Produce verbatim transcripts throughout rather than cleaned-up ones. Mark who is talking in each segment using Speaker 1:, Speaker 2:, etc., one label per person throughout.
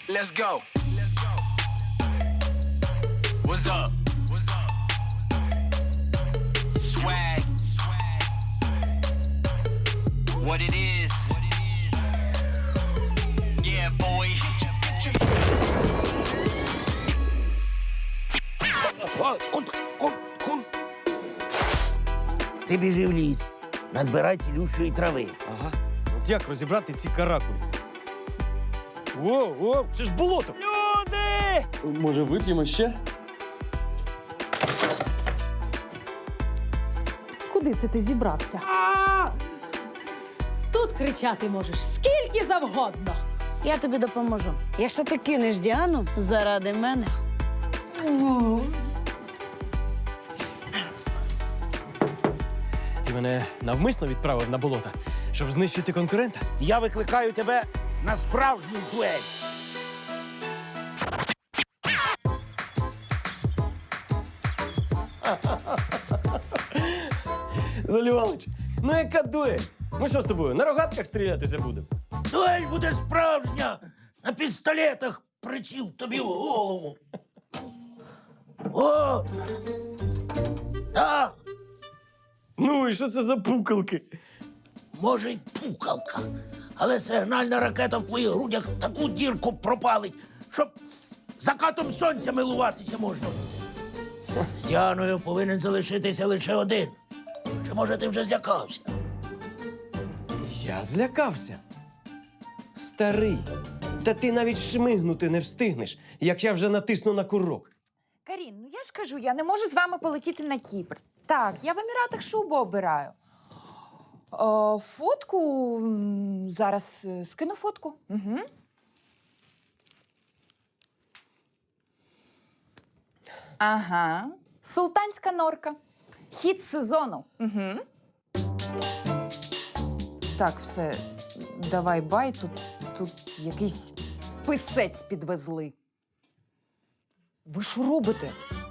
Speaker 1: Let's go. What's up? What's up? Swag. What it is. Yeah, boy.
Speaker 2: О, кут, кут, кут. Ти біжи в ліс, назбирай цілющої трави.
Speaker 3: Ага. От як розібрати ці каракулі? О, о, це ж болото! Люди!
Speaker 4: Може, вип'ємо ще?
Speaker 5: Куди це ти зібрався? Тут кричати можеш скільки завгодно.
Speaker 6: Я тобі допоможу. Якщо ти кинеш Діану заради мене.
Speaker 3: Ти мене навмисно відправив на болото, щоб знищити конкурента?
Speaker 2: Я викликаю тебе на справжню дуель.
Speaker 3: Залівалич, ну яка дуель? Ми що з тобою, на рогатках стрілятися будемо?
Speaker 2: Дуель буде справжня. На пістолетах приціл тобі в голову. О! Так,
Speaker 3: Ну і що це за пукалки?
Speaker 2: може, й пукалка. Але сигнальна ракета в твоїх грудях таку дірку пропалить, щоб закатом сонця милуватися можна буде. З Діаною повинен залишитися лише один. Чи, може, ти вже злякався?
Speaker 3: Я злякався. Старий, та ти навіть шмигнути не встигнеш, як я вже натисну на курок.
Speaker 7: Карін, ну я ж кажу, я не можу з вами полетіти на Кіпр. Так, я в Еміратах шубу обираю. О, фотку м, зараз е, скину фотку. Угу. Ага. Султанська норка. Хіт сезону. Угу. Так, все. Давай бай. Тут, тут якийсь писець підвезли. Ви що робите?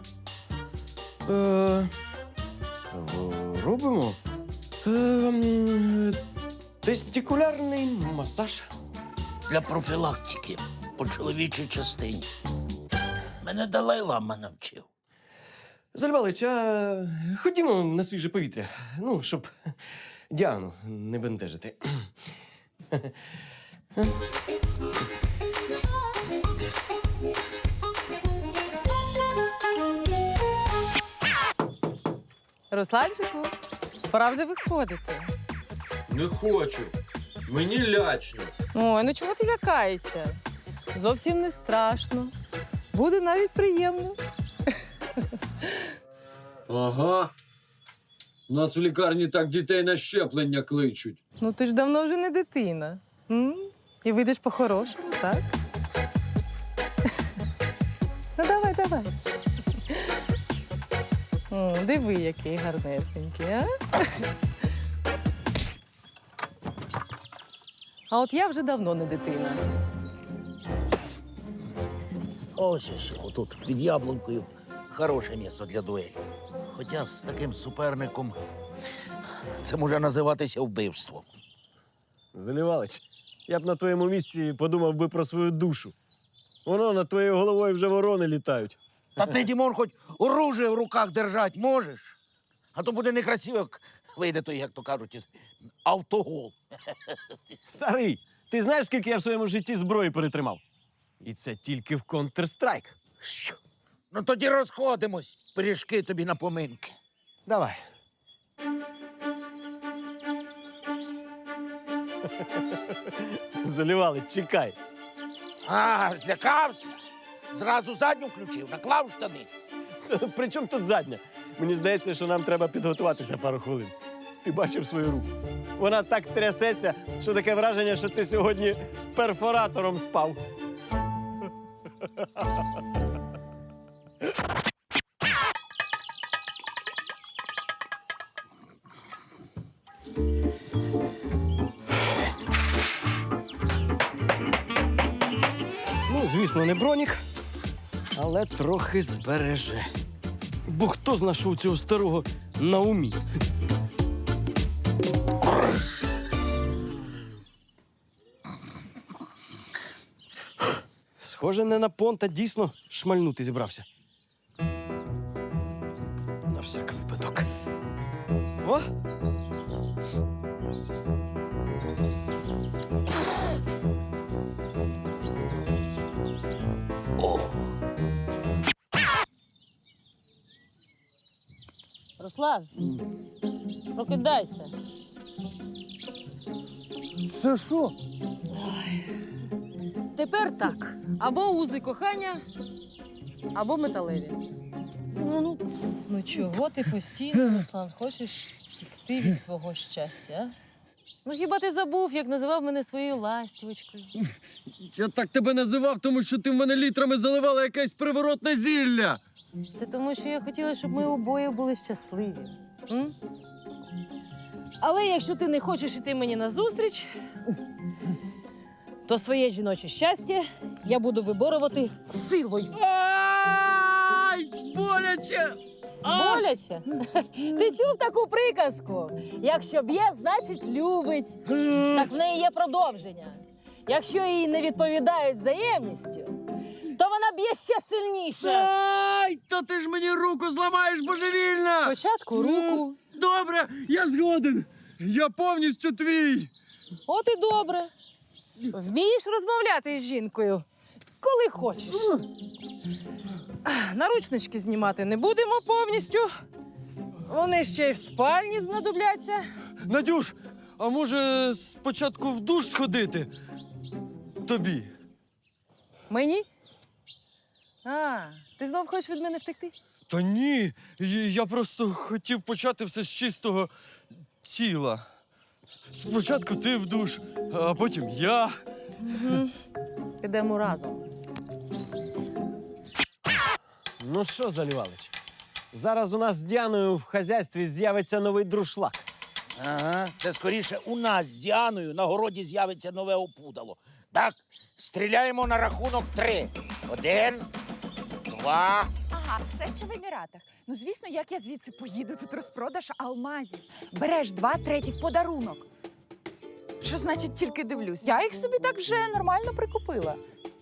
Speaker 3: Е, в- робимо е, м, тестикулярний масаж.
Speaker 2: Для профілактики по чоловічій частині. Мене Далай-Лама навчив.
Speaker 3: Залівалич, а ходімо на свіже повітря. Ну, щоб Діану не бентежити.
Speaker 5: Русланчику, пора вже виходити.
Speaker 4: Не хочу. Мені лячно.
Speaker 5: Ой, ну чого ти лякаєшся? Зовсім не страшно. Буде навіть приємно.
Speaker 4: Ага. У нас в лікарні так дітей на щеплення кличуть.
Speaker 5: Ну ти ж давно вже не дитина. М? І вийдеш по-хорошому, так? Ну давай, давай. О, диви, який гарнесенький, а? А от я вже давно не дитина.
Speaker 2: Ось ось, отут, під яблункою, хороше місце для дуелі. Хоча з таким суперником це може називатися вбивством.
Speaker 3: Залівалич, я б на твоєму місці подумав би про свою душу. Воно над твоєю головою вже ворони літають.
Speaker 2: Та ти, Дімон, хоч оружие в руках держать можеш? А то буде некрасиво, як вийде той, як то кажуть, автогол.
Speaker 3: Старий, ти знаєш, скільки я в своєму житті зброї перетримав? І це тільки в Counter-Strike.
Speaker 2: Що? Ну тоді розходимось. Пиріжки тобі на поминки.
Speaker 3: Давай. Залівалич, чекай.
Speaker 2: А, злякався? Зразу задню включив, наклав штани.
Speaker 3: При чому тут задня? Мені здається, що нам треба підготуватися пару хвилин. Ти бачив свою руку? Вона так трясеться, що таке враження, що ти сьогодні з перфоратором спав. Ну, звісно, не бронік, але трохи збереже. Бо хто зна, що у цього старого на умі? Схоже, не на понта дійсно шмальнути зібрався. На всяк випадок. О!
Speaker 2: О,
Speaker 5: Руслан, прокидайся.
Speaker 3: Це що?
Speaker 5: Тепер так. Або узи кохання, або металеві. Ну, ну. Ну чого ти постійно, Руслан, хочеш втікти від свого щастя, а? Ну хіба ти забув, як називав мене своєю ластівочкою?
Speaker 4: Я так тебе називав, тому що ти в мене літрами заливала якесь приворотне зілля.
Speaker 5: Це тому, що я хотіла, щоб ми обоє були щасливі. М? Але якщо ти не хочеш іти мені назустріч, то своє жіноче щастя я буду виборювати силою.
Speaker 4: Ай, боляче!
Speaker 5: Боляче? Ти чув таку приказку? Якщо б'є, значить любить. Так в неї є продовження. Якщо їй не відповідають взаємністю, то вона б'є ще сильніше.
Speaker 4: Ай, то ти ж мені руку зламаєш божевільно!
Speaker 5: Спочатку руку.
Speaker 4: Добре, я згоден. Я повністю твій.
Speaker 5: От і добре. Вмієш розмовляти з жінкою, коли хочеш. Наручнички знімати не будемо повністю. Вони ще й в спальні знадобляться.
Speaker 3: Надюш, а може спочатку в душ сходити? Тобі.
Speaker 5: Мені? А, ти знов хочеш від мене втекти?
Speaker 3: Та ні, я просто хотів почати все з чистого тіла. Спочатку ти в душ, а потім я.
Speaker 5: Угу. Підемо разом.
Speaker 3: Ну що, Залівалич, зараз у нас з Діаною в хазяйстві з'явиться новий друшлак.
Speaker 2: ага, це скоріше у нас з Діаною на городі з'явиться нове опудало. Так, стріляємо на рахунок три. Один, два.
Speaker 7: Ага, все ще в Еміратах. Ну, звісно, як я звідси поїду, тут розпродаж алмазів. Береш два, треті в подарунок. Що значить тільки дивлюсь? Я їх собі так вже нормально прикупила.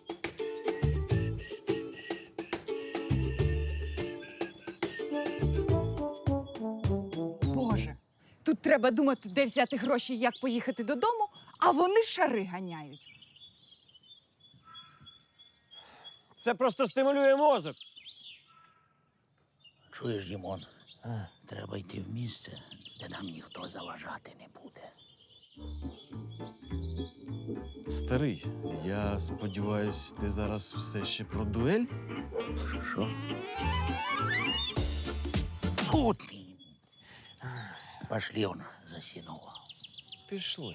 Speaker 7: Боже, тут треба думати, де взяти гроші, як поїхати додому, а вони шари ганяють.
Speaker 3: Це просто стимулює мозок.
Speaker 2: Чуєш, Дімон, треба йти в місце, де нам ніхто заважати не буде.
Speaker 3: Старий, я сподіваюсь, ти зараз все ще про дуель?
Speaker 2: Що? Фу ти! Пошли он засінував.
Speaker 3: Пішли.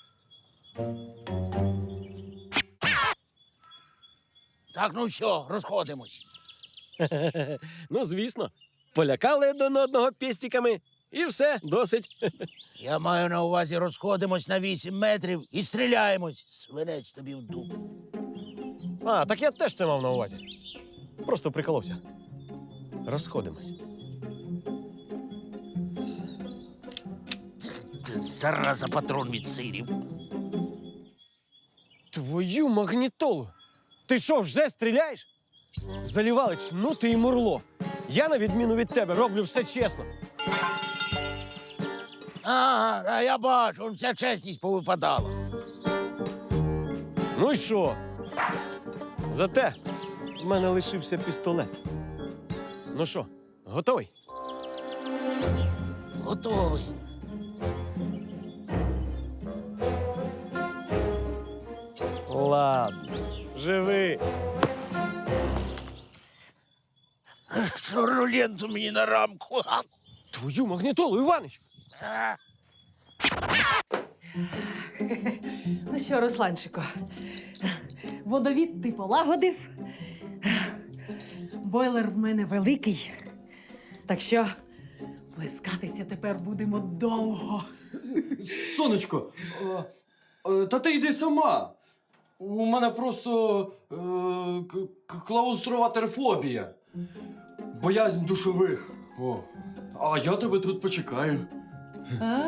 Speaker 2: Так, ну все, розходимось.
Speaker 3: Ну, звісно. Полякали один одного пестиками, і все, досить.
Speaker 2: Я маю на увазі, розходимось на вісім метрів і стріляємось. Свинець тобі в дупу.
Speaker 3: А, так я теж це мав на увазі. Просто приколовся. Розходимось.
Speaker 2: Ти, зараза, патрон від сирів.
Speaker 3: Твою магнітолу! Ти що, вже стріляєш? Залівалич, ну ти і мурло. Я, на відміну від тебе, роблю все чесно.
Speaker 2: Ага, а я бачу, вся чесність повипадала.
Speaker 3: Ну і що? Зате в мене лишився пістолет. Ну що, готовий?
Speaker 2: Готовий.
Speaker 3: Ладно, живи.
Speaker 2: Чорну ленту мені на рамку. А?
Speaker 3: Твою магнітолу, Іванич!
Speaker 5: Ну що, Русланчику, водовід ти полагодив. Бойлер в мене великий. Так що плескатися тепер будемо довго.
Speaker 4: Сонечко, е, е, та ти йди сама. У мене просто е, к- к- клаустрофобія. Боязнь душових. О. А я тебе тут почекаю.
Speaker 5: А,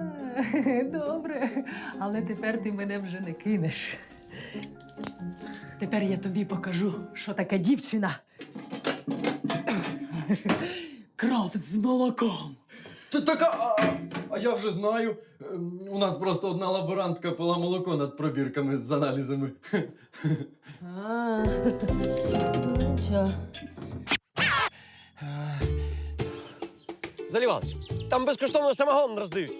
Speaker 5: добре. Але тепер ти мене вже не кинеш.
Speaker 8: Тепер я тобі покажу, що таке дівчина. Кров з молоком.
Speaker 4: Та така, а, а я вже знаю. Ем, У нас просто одна лаборантка пила молоко над пробірками з аналізами.
Speaker 8: А, нічого.
Speaker 3: Залівалич, там безкоштовно самогон роздають.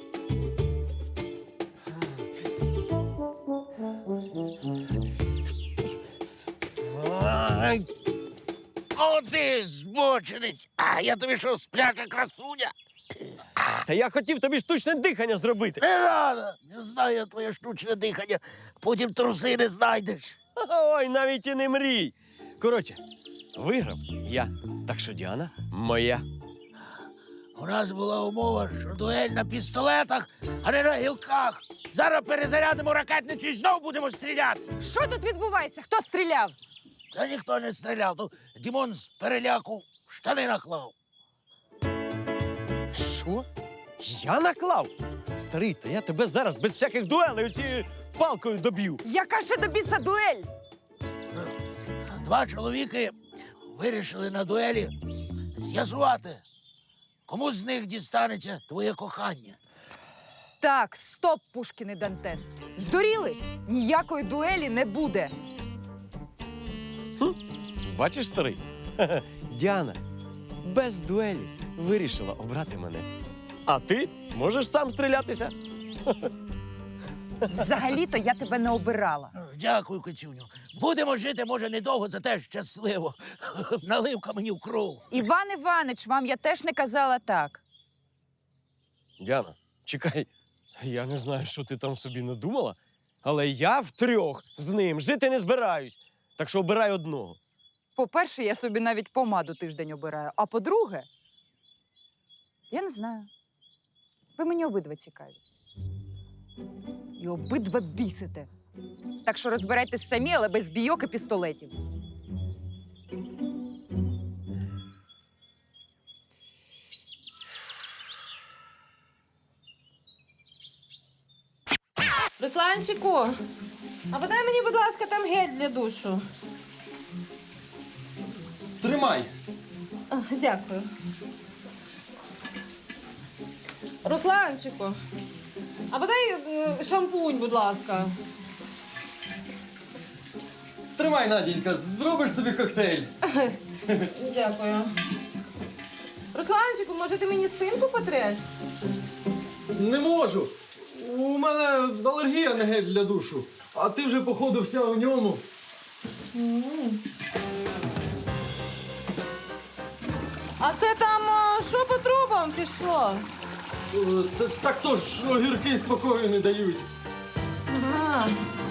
Speaker 2: Ай. О, ти збочинець! А я тобі що, спляча красуня?
Speaker 3: Та я хотів тобі штучне дихання зробити.
Speaker 2: Не треба! Не знаю я твоє штучне дихання. Потім труси не знайдеш.
Speaker 3: Ой, навіть і не мрій. Коротше, виграв я. Так що Діана моя.
Speaker 2: У нас була умова, що дуель на пістолетах, а не на гілках. Зараз перезарядимо ракетницю і знов будемо стріляти.
Speaker 7: Що тут відбувається? Хто стріляв?
Speaker 2: Та ніхто не стріляв. То Дімон з переляку штани наклав.
Speaker 3: Що? Я наклав? Старий, та я тебе зараз без всяких дуелей цією палкою доб'ю.
Speaker 7: Яка ще до біса дуель?
Speaker 2: Два чоловіки вирішили на дуелі з'ясувати, кому з них дістанеться твоє кохання.
Speaker 7: Так, стоп, Пушкін і Дантес. Здуріли? Ніякої дуелі не буде.
Speaker 3: Бачиш, старий? Ха-ха. Діана без дуелі вирішила обрати мене. А ти можеш сам стрілятися.
Speaker 7: Взагалі-то я тебе не обирала.
Speaker 2: Дякую, Кицюню. Будемо жити, може, недовго, зате щасливо. Наливка мені в кров.
Speaker 7: Іван Іванич, вам я теж не казала так.
Speaker 3: Діана, чекай, я не знаю, що ти там собі надумала, але я втрьох з ним жити не збираюсь. Так що обирай одного.
Speaker 7: По-перше, я собі навіть помаду тиждень обираю. А по-друге, я не знаю. Ви мені обидва цікаві. І обидва бісите. Так що розбирайтесь самі, але без бійок і пістолетів.
Speaker 5: Русланчику, а подай мені, будь ласка, там гель для душу.
Speaker 4: Тримай.
Speaker 5: А, дякую. Русланчику, а подай е, шампунь, будь ласка.
Speaker 4: Тримай, Надінька, зробиш собі коктейль.
Speaker 5: Дякую. Русланчику, може ти мені спинку потреш?
Speaker 4: Не можу. У мене алергія на гель для душу. А ти вже, походу, вся в ньому.
Speaker 5: А це там а, що по трубам пішло?
Speaker 4: Е, та- Так то ж огірки спокою не дають.
Speaker 5: Ага.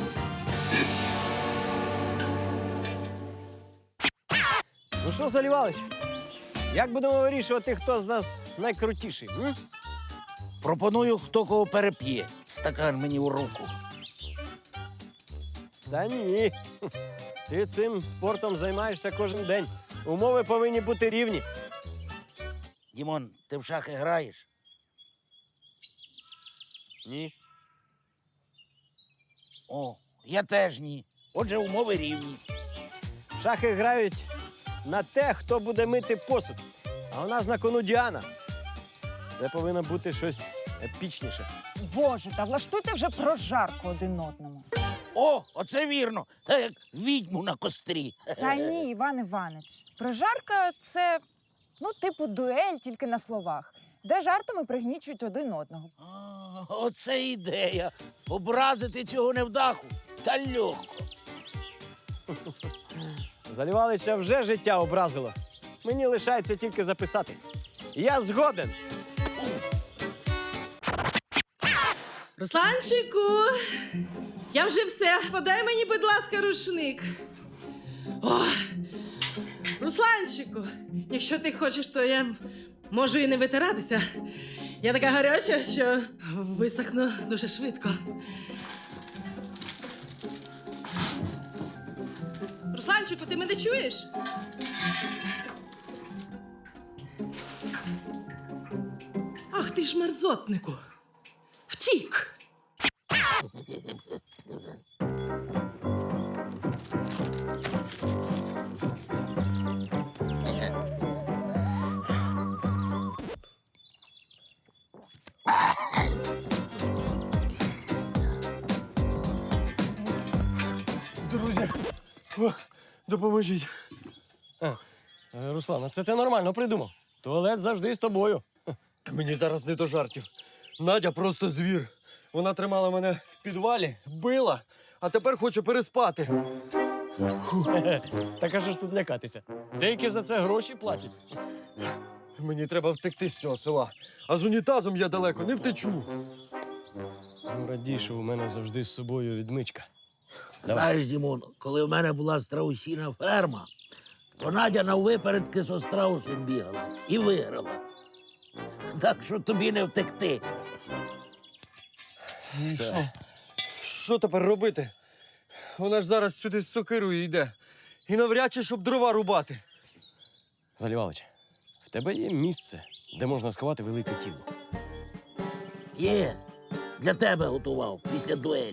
Speaker 3: Ну що, Залівалич, як будемо вирішувати, хто з нас найкрутіший? М?
Speaker 2: Пропоную, хто кого переп'є. Стакан мені у руку.
Speaker 3: Та ні. Ти цим спортом займаєшся кожен день. Умови повинні бути рівні.
Speaker 2: Дімон, ти в шахи граєш?
Speaker 3: Ні.
Speaker 2: О, я теж ні. Отже, умови рівні.
Speaker 3: В шахи грають на те, хто буде мити посуд. А у нас на кону Діана. Це повинно бути щось епічніше.
Speaker 7: Боже, та влаштуйте вже прожарку один одному.
Speaker 2: О, оце вірно. Та як відьму на кострі.
Speaker 7: Та ні, Іван Іванич. Прожарка – це, ну, типу дуель, тільки на словах, де жартами пригнічують один одного.
Speaker 2: А, оце ідея. Образити цього невдаху. Та легко.
Speaker 3: Залівалича вже життя образило. Мені лишається тільки записати. Я згоден.
Speaker 5: Русланчику, я вже все. Подай мені, будь ласка, рушник. О, Русланчику, якщо ти хочеш, то я можу і не витиратися. Я така гаряча, що висохну дуже швидко. Русланчику, ти мене чуєш? Ах ти ж мерзотнику. Втік.
Speaker 4: Друзі, о, допоможіть.
Speaker 3: Е, Руслан, а це ти нормально придумав. Туалет завжди з тобою.
Speaker 4: Мені зараз не до жартів. Надя просто звір. Вона тримала мене в підвалі, била, а тепер хоче переспати.
Speaker 3: Так а що ж тут лякатися? Деякі за це гроші платять.
Speaker 4: Мені треба втекти з цього села. А з унітазом я далеко не втечу.
Speaker 3: Ну, радій, що у мене завжди з собою відмичка.
Speaker 2: Знаєш, Дімон, коли в мене була страусіна ферма, то Надя наввипередки зо страусом бігала і виграла. Так що тобі не втекти.
Speaker 3: Все.
Speaker 4: Що тепер робити? Вона ж зараз сюди з сокирою йде. І навряд чи, щоб дрова рубати.
Speaker 3: Залівалич, в тебе є місце, де можна сховати велике тіло.
Speaker 2: Є, для тебе готував після дуелі.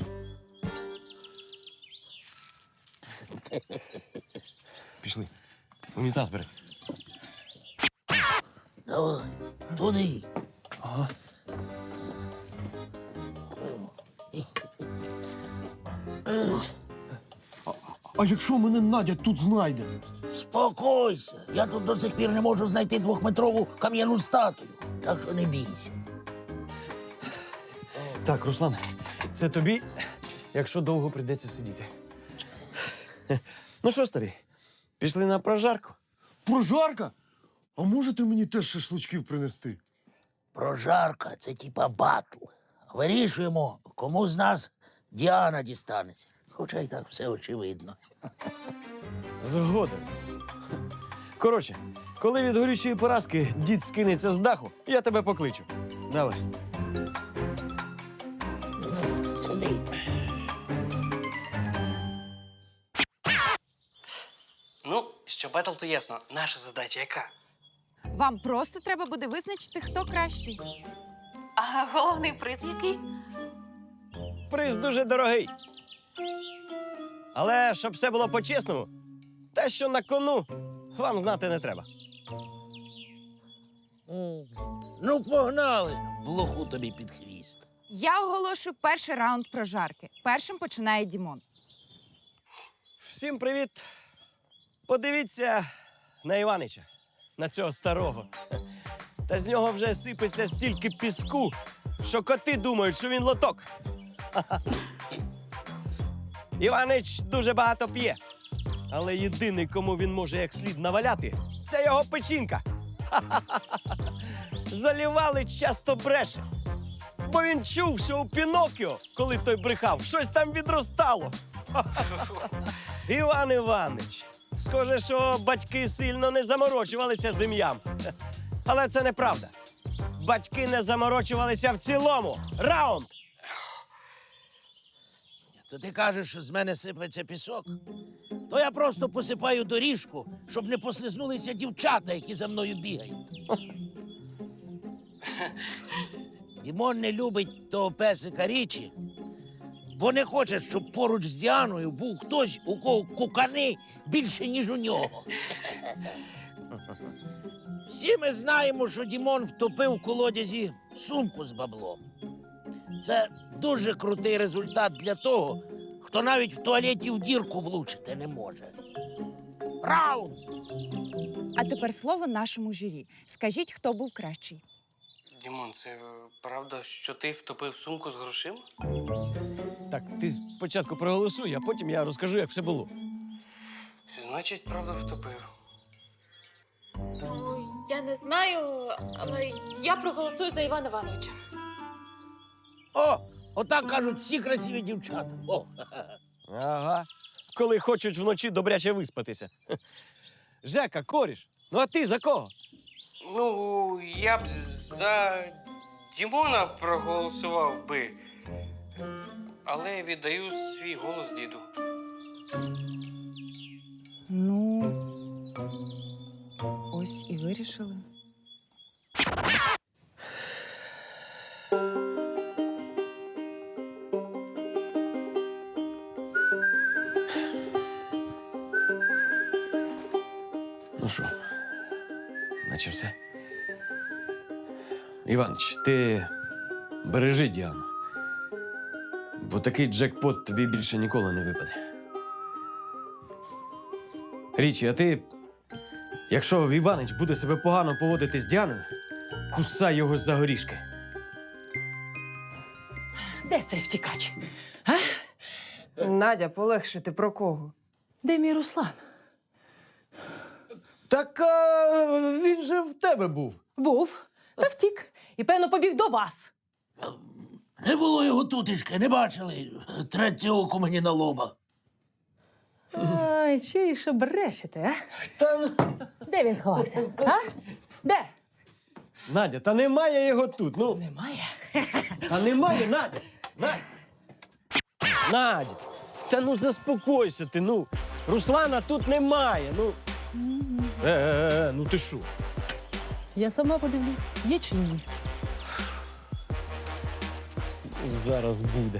Speaker 3: Пішли. Унітаз бери.
Speaker 2: Давай, туди.
Speaker 4: А якщо мене Надя тут знайде?
Speaker 2: Спокойся. Я тут до сих пір не можу знайти двохметрову кам'яну статую. Так що не бійся.
Speaker 3: Так, Руслан, це тобі, якщо довго прийдеться сидіти. Ну що, старий, пішли на прожарку?
Speaker 4: Прожарка? А можете мені теж шашличків принести?
Speaker 2: Прожарка це типа батл. Вирішуємо, кому з нас Діана дістанеться. Хоча й так все очевидно.
Speaker 3: Згоден. Коротше, коли від горючої поразки дід скинеться з даху, я тебе покличу. Давай.
Speaker 2: Сиди.
Speaker 9: Ну, що бетл, то ясно. Наша задача яка?
Speaker 7: Вам просто треба буде визначити, хто кращий.
Speaker 10: А головний приз який?
Speaker 3: Приз дуже дорогий. Але щоб все було по-чесному, те, що на кону, вам знати не треба.
Speaker 2: М, Ну, погнали. Блоху тобі під хвіст.
Speaker 7: Я оголошую перший раунд прожарки. Першим починає Дімон.
Speaker 3: Всім привіт. Подивіться на Іванича, на цього старого. Та з нього вже сипеться стільки піску, що коти думають, що він лоток. Іванич дуже багато п'є. Але єдиний, кому він може як слід наваляти, це його печінка. Залівалич часто бреше. Бо він чув, що у Пінокіо, коли той брехав, щось там відростало. Іван Іванич, схоже, що батьки сильно не заморочувалися з ім'ям. Але це неправда. Батьки не заморочувалися в цілому. Раунд!
Speaker 2: То ти кажеш, що з мене сиплеться пісок? То я просто посипаю доріжку, щоб не послизнулися дівчата, які за мною бігають. Дімон не любить того песика Річі, бо не хоче, щоб поруч з Діаною був хтось, у кого кукани більше, ніж у нього. Всі ми знаємо, що Дімон втопив у колодязі сумку з баблом. Це дуже крутий результат для того, хто навіть в туалеті в дірку влучити не може. Раунд!
Speaker 7: А тепер слово нашому журі. Скажіть, хто був кращий.
Speaker 9: Дімон, це е, правда, що ти втопив сумку з грошима?
Speaker 3: Так, ти спочатку проголосуй, а потім я розкажу, як все було.
Speaker 9: Значить, правда, втопив.
Speaker 10: Ну, я не знаю, але я проголосую за Івана Івановича.
Speaker 2: О, отак кажуть всі красиві дівчата. О,
Speaker 3: Ага. Коли хочуть вночі добряче виспатися. Жека, коріш, ну а ти за кого?
Speaker 9: Ну, я б за Дімона проголосував би. Але віддаю свій голос діду.
Speaker 7: Ну, ось і вирішили.
Speaker 3: Ну що, наче все. Іванич, ти бережи Діану. Бо такий джекпот тобі більше ніколи не випаде. Річі, а ти, якщо Іванич буде себе погано поводити з Діаною, кусай його за горішки.
Speaker 8: Де цей втікач?
Speaker 5: Надя, полегше, ти про кого?
Speaker 8: Де мій Руслан?
Speaker 3: Так а, він же в тебе був.
Speaker 8: Був та втік. І, певно, побіг до вас.
Speaker 2: Не було його тутечки, не бачили. Третє око мені на лоба.
Speaker 8: Ай, чуєш, що брешете, а?
Speaker 3: Та, ну,
Speaker 8: Де він сховався? А? Де?
Speaker 3: Надя, та немає його тут. Ну,
Speaker 8: Немає.
Speaker 3: та немає, Надя. Надя. Надя, та ну заспокойся ти, ну. Руслана тут немає, ну. Е, е, е, ну ти що?
Speaker 8: Я сама подивлюсь, є чи ні.
Speaker 3: Зараз буде.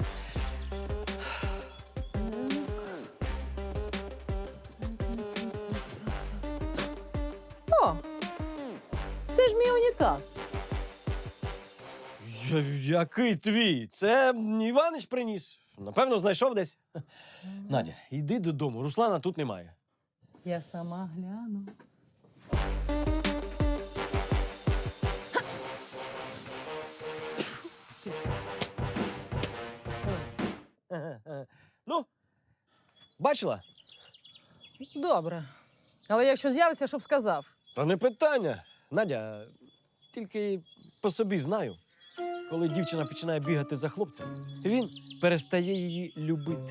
Speaker 8: О, це ж мій унітаз.
Speaker 3: Я, який твій? Це Іванич приніс. Напевно, знайшов десь. Надя, йди додому, Руслана тут немає.
Speaker 8: Я сама гляну.
Speaker 3: Ну, бачила?
Speaker 5: Добре. Але якщо з'явиться, щоб сказав.
Speaker 3: Та не питання. Надя, тільки по собі знаю. Коли дівчина починає бігати за хлопцем, він перестає її любити.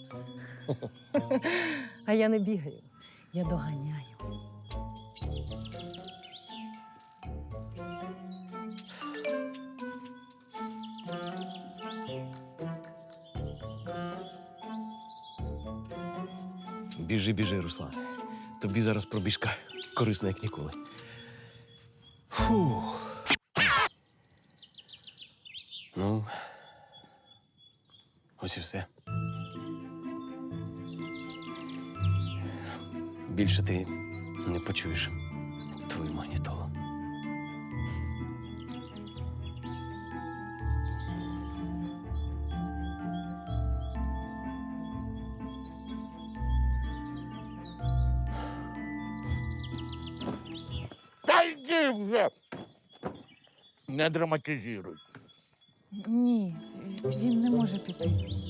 Speaker 8: А я не бігаю, я доганяю.
Speaker 3: Біжи, біжи, Руслан. Тобі зараз пробіжка корисна, як ніколи. Фух. Ну, ось і все. Більше ти не почуєш твою магнітолу.
Speaker 2: Та йди вже! Не драматизируй.
Speaker 7: Ні, він не може піти.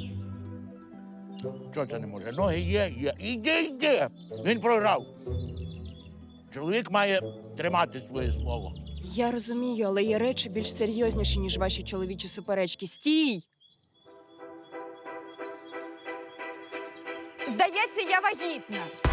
Speaker 2: Що це не може? Ноги є, є. Іди, йди! Він програв. Чоловік має тримати своє слово.
Speaker 10: Я розумію, але є речі більш серйозніші, ніж ваші чоловічі суперечки. Стій! Здається, я вагітна.